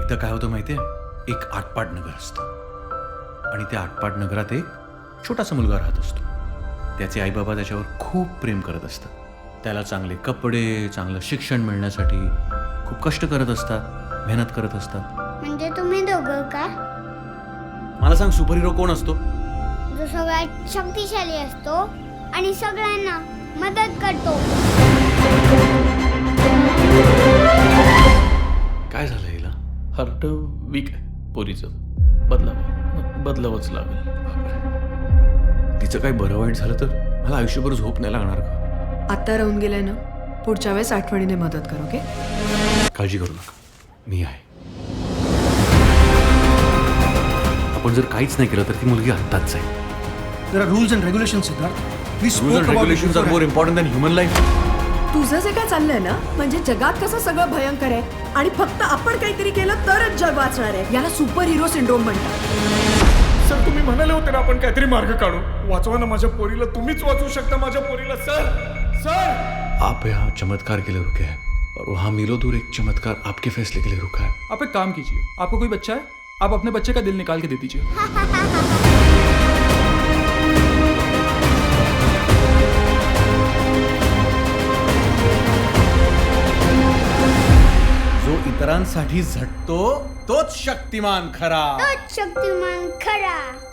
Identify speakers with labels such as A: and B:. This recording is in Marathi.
A: एकदा काय होतं माहितीये, एक आटपाट नगर असतं आणि त्या आटपाट नगरात एक छोटासा मुलगा राहत असतो. त्याचे आईबाबा त्याच्यावर खूप प्रेम करत असतात. त्याला चांगले कपडे, चांगलं शिक्षण मिळण्यासाठी खूप कष्ट करत असतात, मेहनत करत असतात.
B: म्हणजे तुम्ही दोघं का?
A: मला सांग, सुपर हिरो कोण असतो?
B: जो सगळ्यात शक्तिशाली असतो आणि सगळ्यांना मदत करतो.
A: काय झालं हिला?
C: हार्ट वीक आहे पोरीचं. बदलावंच लागेल.
A: तिचं काही बरं वाईट झालं तर मला आयुष्यभर झोप नाही लागणार का?
D: आता राहून गेलाय ना, पुढच्या वेळेस आठवणीने मदत कर. ओके?
A: काळजी करू नका, मी आहे. आपण जर काहीच नाही केलं तर ती मुलगी आत्ताच जाईल.
E: There are rules and regulations, Siddharth. We
A: Rules
E: spoke
A: and
E: about it
A: regulations are more
E: beforehand.
A: important than human life.
D: तुझं जे काय चाललंय ना, म्हणजे जगात कसं सगळं भयंकर आहे आणि फक्त आपण काहीतरी केलं तरच जग वाचणार आहे. याला सुपर हिरो सिंड्रोम म्हणतात.
F: सर, तुम्ही म्हणाले होते ना आपण काहीतरी मार्ग काढू. वाचवा ना माझ्या पोरीला, तुम्हीच वाचवू शकता माझ्या पोरीला. सर सर,
A: आप यहाँ चमत्कार के लिए रुके हैं और वहाँ मीलों दूर एक चमत्कार आपके फैसले के लिए रुका है.
C: आप एक काम कीजिए, आपको कोई बच्चा है, आप अपने बच्चे का दिल निकाल के दे दीजिए.
A: जो इतरांसाठी झटतो तोच शक्तिमान खरा.
B: तोच शक्तिमान खरा.